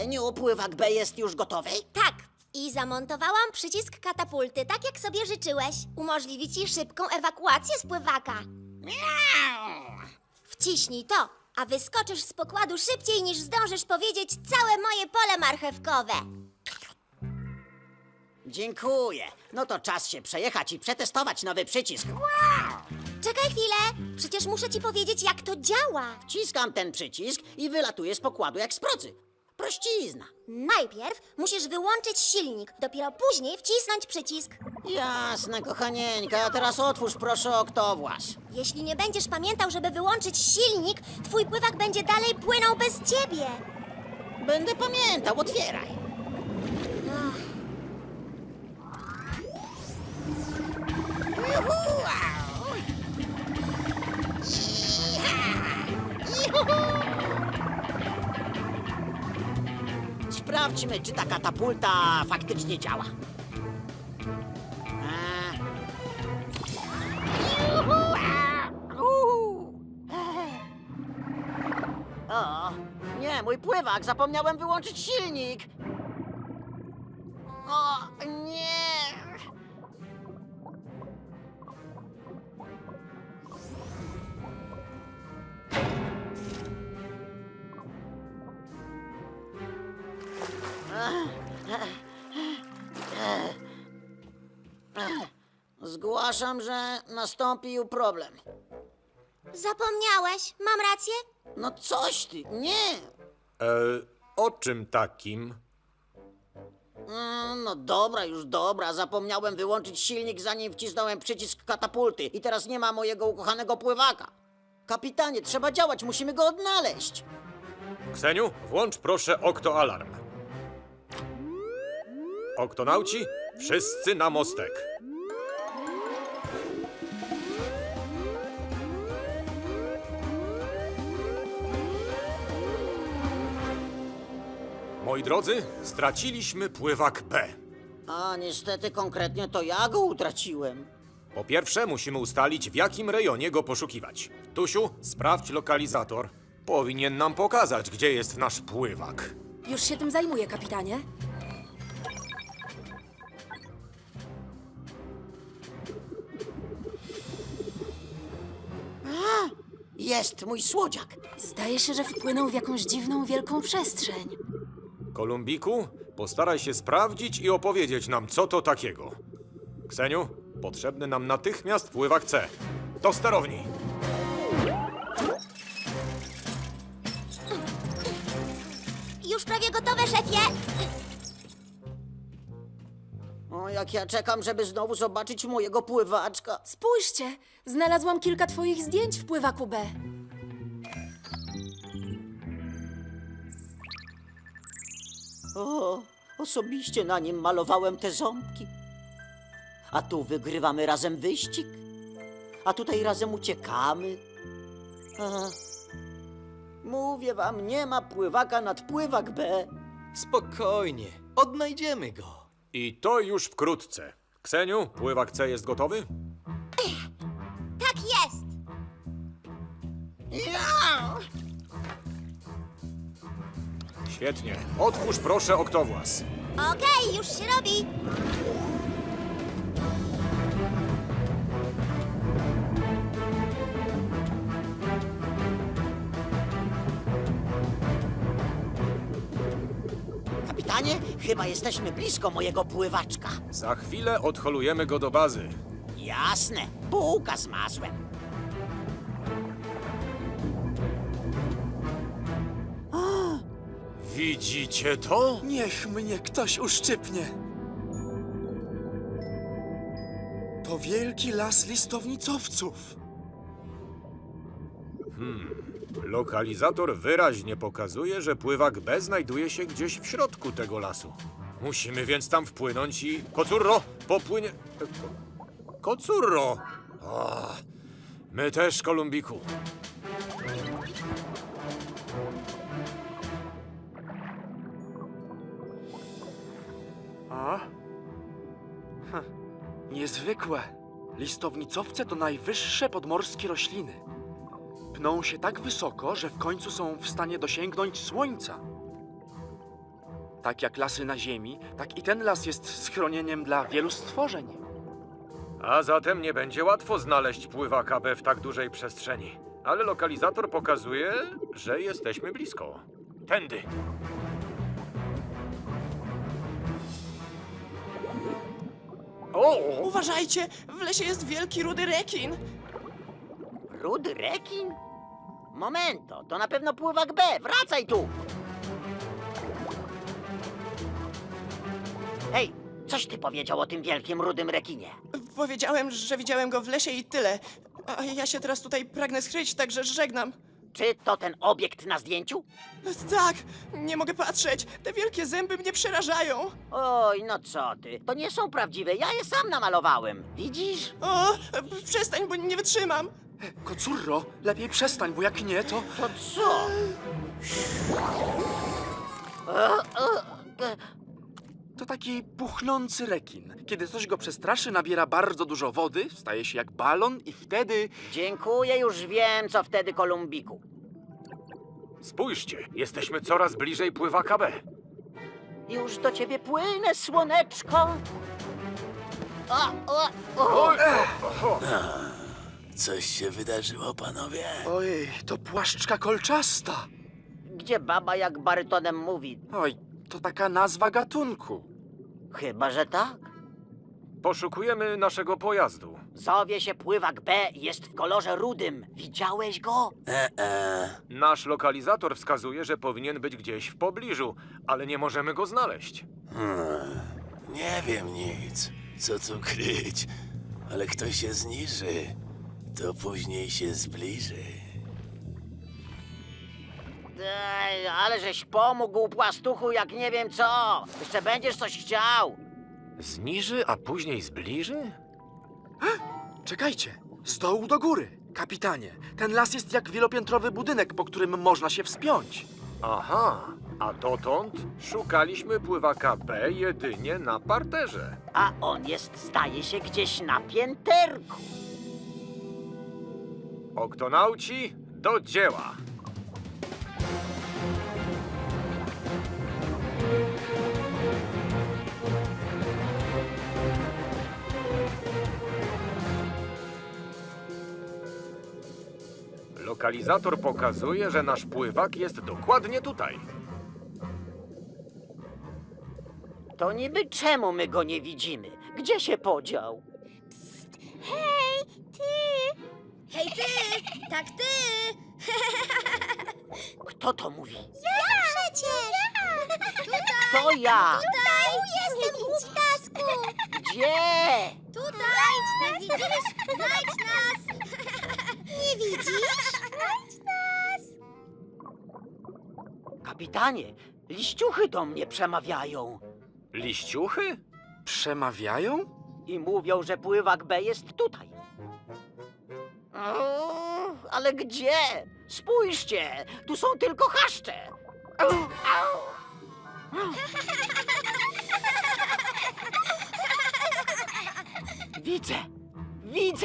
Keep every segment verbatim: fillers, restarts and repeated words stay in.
Kseniu, pływak B jest już gotowy? Tak. I zamontowałam przycisk katapulty, tak jak sobie życzyłeś. Umożliwi ci szybką ewakuację z pływaka. Wciśnij to, a wyskoczysz z pokładu szybciej niż zdążysz powiedzieć całe moje pole marchewkowe. Dziękuję. No to czas się przejechać i przetestować nowy przycisk. Czekaj chwilę, przecież muszę ci powiedzieć, jak to działa. Wciskam ten przycisk i wylatuję z pokładu jak z procy. Prościzna. Najpierw musisz wyłączyć silnik, dopiero później wcisnąć przycisk. Jasne, kochanieńka, a teraz otwórz proszę oktowłas. Jeśli nie będziesz pamiętał, żeby wyłączyć silnik, twój pływak będzie dalej płynął bez ciebie. Będę pamiętał, otwieraj. Juhu! Iha! Juhu! Sprawdźmy, czy ta katapulta faktycznie działa. A. Juhu! Uhu! O, nie, mój pływak, zapomniałem wyłączyć silnik. O, nie! Zgłaszam, że nastąpił problem. Zapomniałeś, mam rację? No coś ty, nie. E, o czym takim? Mm, No dobra, już dobra. Zapomniałem wyłączyć silnik, zanim wcisnąłem przycisk katapulty. I teraz nie ma mojego ukochanego pływaka. Kapitanie, trzeba działać, musimy go odnaleźć. Kseniu, włącz proszę oktoalarm. Oktonauci, wszyscy na mostek. Moi drodzy, straciliśmy pływak B. A niestety konkretnie to ja go utraciłem. Po pierwsze, musimy ustalić, w jakim rejonie go poszukiwać. Tusiu, sprawdź lokalizator. Powinien nam pokazać, gdzie jest nasz pływak. Już się tym zajmuję, kapitanie. Jest mój słodziak. Zdaje się, że wpłynął w jakąś dziwną, wielką przestrzeń. Kolumbiku, postaraj się sprawdzić i opowiedzieć nam, co to takiego. Kseniu, potrzebny nam natychmiast pływak C. Do sterowni. Już prawie gotowe, szefie. O, jak ja czekam, żeby znowu zobaczyć mojego pływaczka. Spójrzcie, znalazłam kilka twoich zdjęć w pływaku B. O, osobiście na nim malowałem te ząbki. A tu wygrywamy razem wyścig. A tutaj razem uciekamy. A, mówię wam, nie ma pływaka nad pływak B. Spokojnie, odnajdziemy go. I to już wkrótce. Kseniu, pływak C jest gotowy? Tak jest. Ja! Świetnie. Otwórz proszę oktowłas. Okej, już się robi. Kapitanie, chyba jesteśmy blisko mojego pływaczka. Za chwilę odholujemy go do bazy. Jasne, bułka z masłem. Widzicie to? Niech mnie ktoś uszczypnie. To wielki las listownicowców. Lokalizator wyraźnie pokazuje, że pływak B znajduje się gdzieś w środku tego lasu. Musimy więc tam wpłynąć i... Kocurro, popłynie... e, Ko... Kocurro! O, my też, Kolumbiku. A? Hm, niezwykłe. Listownicowce to najwyższe podmorskie rośliny. Pną się tak wysoko, że w końcu są w stanie dosięgnąć słońca. Tak jak lasy na Ziemi, tak i ten las jest schronieniem dla wielu stworzeń. A zatem nie będzie łatwo znaleźć pływaka B w tak dużej przestrzeni. Ale lokalizator pokazuje, że jesteśmy blisko. Tędy. O! Uważajcie, w lesie jest wielki rudy rekin. Rudy rekin? Momento, to na pewno pływak B. Wracaj tu! Hej, coś ty powiedział o tym wielkim rudym rekinie? Powiedziałem, że widziałem go w lesie i tyle. A ja się teraz tutaj pragnę skryć, także żegnam. Czy to ten obiekt na zdjęciu? Tak, nie mogę patrzeć. Te wielkie zęby mnie przerażają. Oj, no co ty, to nie są prawdziwe, ja je sam namalowałem. Widzisz? O, przestań, bo nie wytrzymam. Kocurro, lepiej przestań, bo jak nie, to... To co? E, e, e, To taki puchnący rekin. Kiedy coś go przestraszy, nabiera bardzo dużo wody, staje się jak balon i wtedy... Dziękuję, już wiem, co wtedy, Kolumbiku. Spójrzcie, jesteśmy coraz bliżej pływaka B. Już do ciebie płynę, słoneczko. O, o, o. Coś się wydarzyło, panowie? Ojej, to płaszczka kolczasta. Gdzie baba jak barytonem mówi? Oj, to taka nazwa gatunku. Chyba, że tak. Poszukujemy naszego pojazdu. Zowie się pływak B, jest w kolorze rudym. Widziałeś go? E-e. Nasz lokalizator wskazuje, że powinien być gdzieś w pobliżu, ale nie możemy go znaleźć. Hmm. Nie wiem nic. Co tu kryć? Ale kto się zniży, to później się zbliży. Ej, ale żeś pomógł, płastuchu, jak nie wiem co. Jeszcze będziesz coś chciał. Zniży, a później zbliży? Czekajcie, z dołu do góry. Kapitanie, ten las jest jak wielopiętrowy budynek, po którym można się wspiąć. Aha, a dotąd szukaliśmy pływaka B jedynie na parterze. A on jest, zdaje się, gdzieś na pięterku. Oktonauci, do dzieła! Lokalizator pokazuje, że nasz pływak jest dokładnie tutaj. To niby czemu my go nie widzimy? Gdzie się podział? Hej, ty! Hej, ty! Tak, ty! Kto to mówi? Ja przecież! Tutaj! To ja! Tutaj! Jestem, głuptasku! Gdzie? Tutaj! Nie widzisz? Znajdź nas! Nie widzisz? Znajdź nas! Kapitanie, liściuchy do mnie przemawiają. Liściuchy? Przemawiają? I mówią, że pływak B jest tutaj. O, ale gdzie? Spójrzcie, tu są tylko chaszcze. Au, au. Widzę, widzę.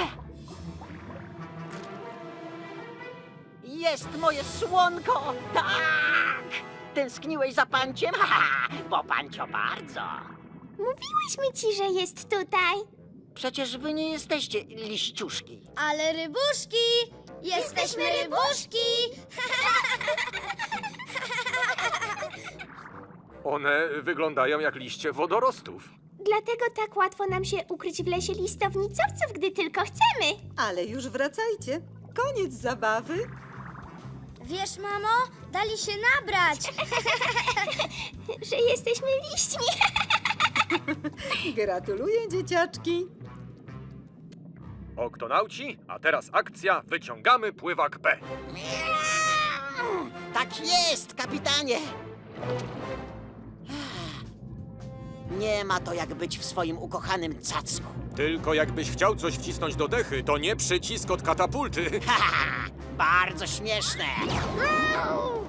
Jest moje słonko, tak! Tęskniłeś za panciem? Haha, bo pancio bardzo. Mówiłyśmy ci, że jest tutaj. Przecież wy nie jesteście liściuszki. Ale rybuszki! Jesteśmy rybuszki! One wyglądają jak liście wodorostów. Dlatego tak łatwo nam się ukryć w lesie listownicowców, gdy tylko chcemy. Ale już wracajcie. Koniec zabawy. Wiesz, mamo, dali się nabrać. Że jesteśmy liśćmi. Gratuluję, dzieciaczki. Oktonauci, a teraz akcja, wyciągamy pływak B. Tak jest, kapitanie. Nie ma to jak być w swoim ukochanym cacku. Tylko jakbyś chciał coś wcisnąć do dechy, to nie przycisk od katapulty. Haha, bardzo śmieszne.